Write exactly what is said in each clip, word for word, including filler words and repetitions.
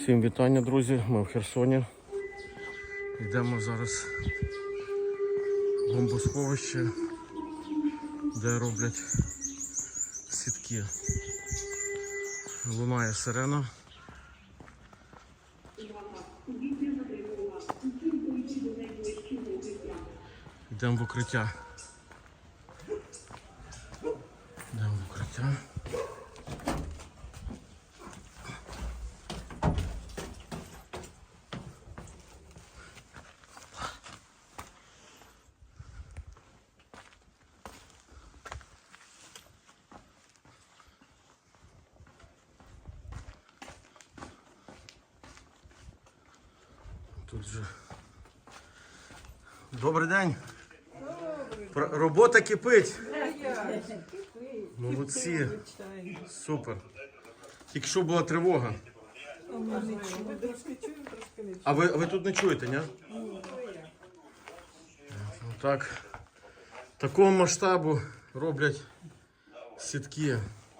Всім вітання, друзі, ми в Херсоні. Йдемо зараз в бомбосховище, де роблять сітки. Лунає сирена. Йдемо в укриття. Йдемо в укриття. Тут же. Добрий день. Про- Робота кипить. Молодці. Супер. Тільки що була тривога. А ви, ви тут не чуєте, ні? Так. Такого масштабу роблять сітки.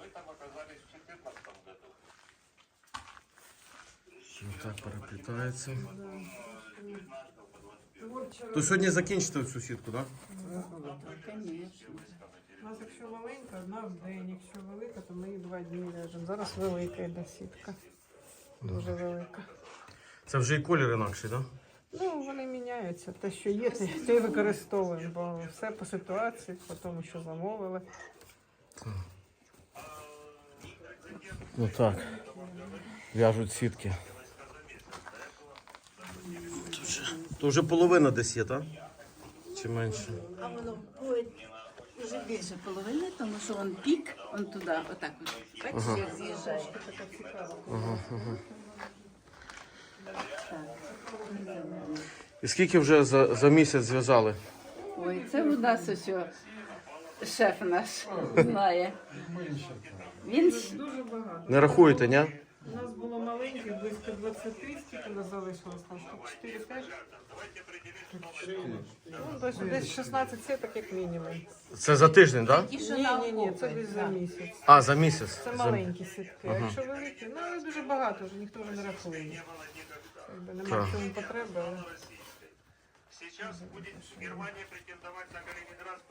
Так переплітається. То сьогодні закінчите цю сітку, так? У нас якщо маленька, одна в день, якщо велика, то ми її два дні ляжемо. Зараз велика йде сітка. Дуже велика. Це вже і колір інакший, так? Ну, вони міняються. Те, що є, те те й використовуємо, бо все по ситуації, по тому, що замовили. Ну так. В'яжуть сітки. Тут вже, то вже половина десь є, так? Чи менше? А воно буде вже більше половини, тому що він пік, він туди, отак от. Бачиш, Ага. як з'їжджає. Ага, ага. І скільки вже за, за місяць зв'язали? Ой, це у нас ось о, шеф наш знає. Він ж- Дуже багато. Не рахуєте, ні? У нас було маленьких, близько двадцяти, скільки нас залишилось там, чотири п'ять? Ну, десь, десь шістнадцять сіток як мінімум. Це за тиждень, так? ті, що Ні, на ні, ні, це окопи, десь за да. місяць. А, за місяць. Це За- маленькі сітки, а якщо великі, ну але дуже багато вже, ніхто вже не рахує. Якби нема Так. в цьому потреби, але... Сейчас будет Германия претендовать на Калининград.